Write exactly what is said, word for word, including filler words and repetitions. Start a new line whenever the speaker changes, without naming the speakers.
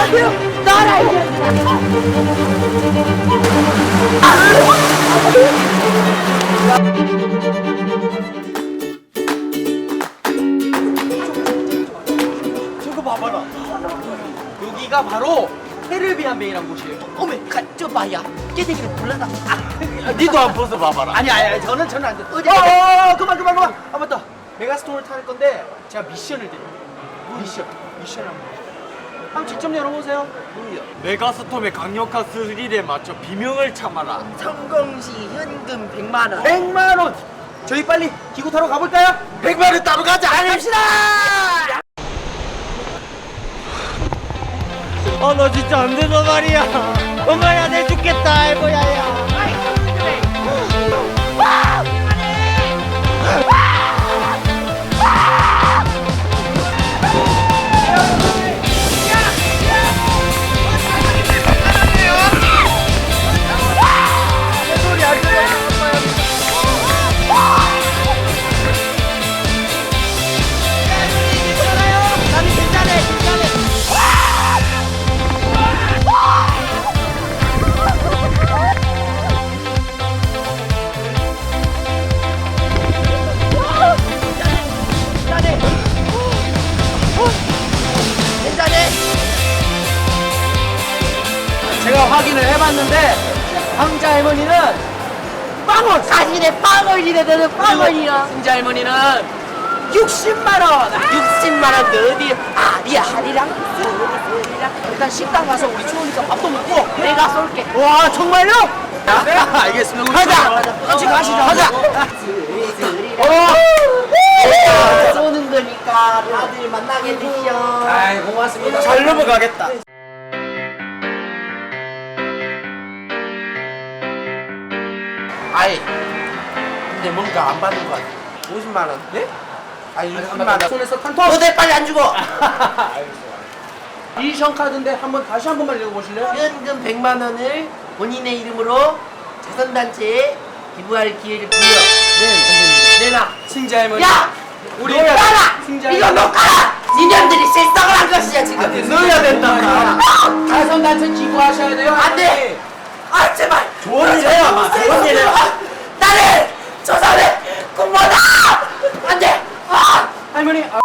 나와요! 나와라!
저거 봐봐라. 여기가 바로 헤르비안 베이란 곳이에요.
어메, 가, 저 봐야. 깨대기를 불러다. 아,
니도 안 벗어 봐봐라. 아니 아니 아니, 저는 저는 안 돼.
어디,
어,
어디?
어, 어, 그만 그만 그만. 아 맞다. 메가스톤을 탈 건데 제가 미션을 드려요. 미션. 미션 한번. 한번 직접 열어보세요.
메가스톰의 강력한 스릴에 맞춰 비명을 참아라.
성공시 현금 백만 원.
백만 원. 저희 빨리 기구 타러 가볼까요?
백만 원 따로 가자.
갑시다!
아, 너 진짜 안 돼서 말이야. 엄마야, 내 죽겠다, 알고야야.
제가 확인을 해봤는데 황자 할머니는 빵원.
사실에 빵원이래, 너는 빵원이야.
승자 할머니는 육십만 원.
육십만 원 어디 아리야 하리랑 쓰리랑
일단 식당 가서 우리 추우니까 밥도 먹고.
내가 쏠게.
와 정말요? 네 알겠습니다. 가자. 같이 가시죠. 가자. 어.
내가 쏘는 거니까 다들 만나게 되시오.
아이 고맙습니다. 잘 넘어가겠다.
아이 근데 뭔가 안 받는 거 같아. 오십만 원.
네?
아니 육십만 원.
손에서 탄토.
너네 빨리 안 주고.
미션 카드인데 한번 다시 한 번만 읽어보실래요?
현금 백만 원을 본인의 이름으로 자선단체에 기부할 기회를 부여.
네 선생님.
내놔.
승자 할머니.
야!
우리
우리 까라!
승자
이거 너 까라! 니년들이 실성을 한 것이야 지금.
네, 넣어야 된다. 자선단체 기부하셔야 돼요.
안 돼! 아 제발!
좋은 일 해요.
아,
좋은 일 해요.
나는 조선의 군모다! 안 돼! 아!
할머니. 아.